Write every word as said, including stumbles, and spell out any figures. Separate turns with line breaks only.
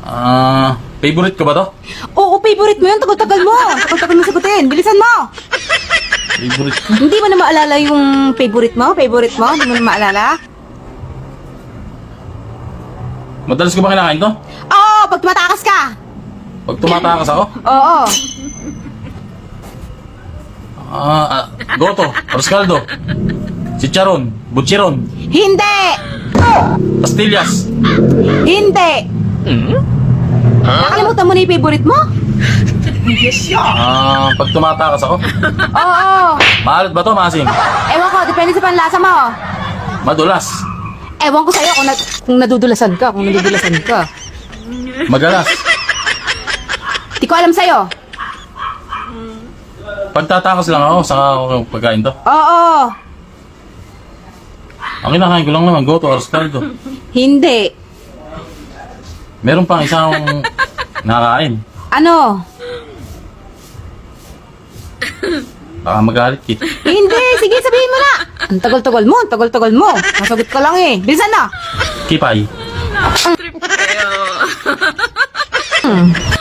Ah, favorite ko ba to?
Oo, favorite mo yun. Tagal-tagal mo. Tagal-tagal mo sagutin. Bilisan mo.
Favorite ko?
Hindi mo na maalala yung favorite mo? Favorite mo? Hindi mo na maalala?
Madalas ko ba kinakain to?
Oo, pag tumatakas ka.
Pag tumatakas ako?
Oo.
Ah, ah goto, rascaldo, chicharon, butchiron,
Hindi.
pastillas.
Hindi. Nakalimutan mo na yung favorite mo?
Ah, pag tumatakas ako?
Oo.
Maalat ba to, maasim?
Ewan ko, depende sa panlasa mo.
Madulas,
Ewan ko sa'yo kung, na, kung nadudulasan ka, kung nadudulasan ka.
magalas.
Di ko alam sa'yo.
Pag tatakas lang ako, saka ako pagkain to.
Oo.
Ang kinakain ko lang naman, goto, rascaldo.
Hindi.
Meron pang isang nakakain.
Ano?
Baka magalit ki.
Hindi. Sige, sabihin mo na. Ang tagal-tagal mo, ang tagal-tagal mo. Nasagot ka lang eh. Bilisan na.
Kipay.
Hmm.